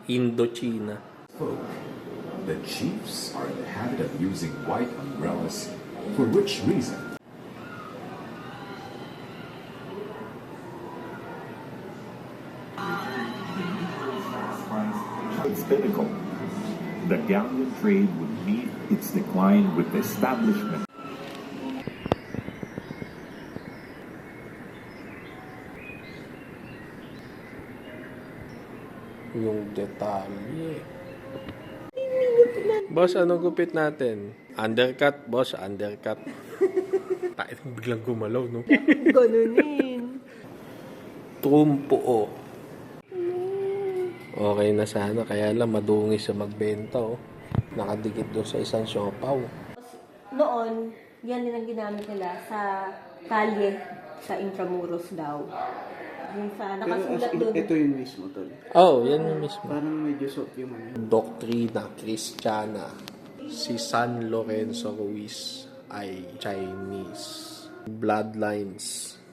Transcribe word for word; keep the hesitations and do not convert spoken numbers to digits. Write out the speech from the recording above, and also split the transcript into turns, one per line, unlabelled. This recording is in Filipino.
Indochina.
folk. The chiefs are in the habit of using white umbrellas, for which reason
its pinnacle. The galleon trade would meet its decline with the establishment
Yung detalye. Boss, anong gupit natin? Undercut, boss, undercut. Tayo biglang gumalaw, no?
Ganunin.
Trumpo. Okay na sana, kaya lang madungis sa magbenta, oh. Nakadikit doon sa isang siopaw.
Noon, yan din ang ginamit nila sa kalye, sa Intramuros daw. Yung sa
Pero
nakasulat
as in,
doon.
ito yung mismo, tol.
Oh, yan yung mismo.
Parang medyo soft yung ano.
Doktrina Kristiyana. Si San Lorenzo Ruiz ay Chinese. Bloodlines.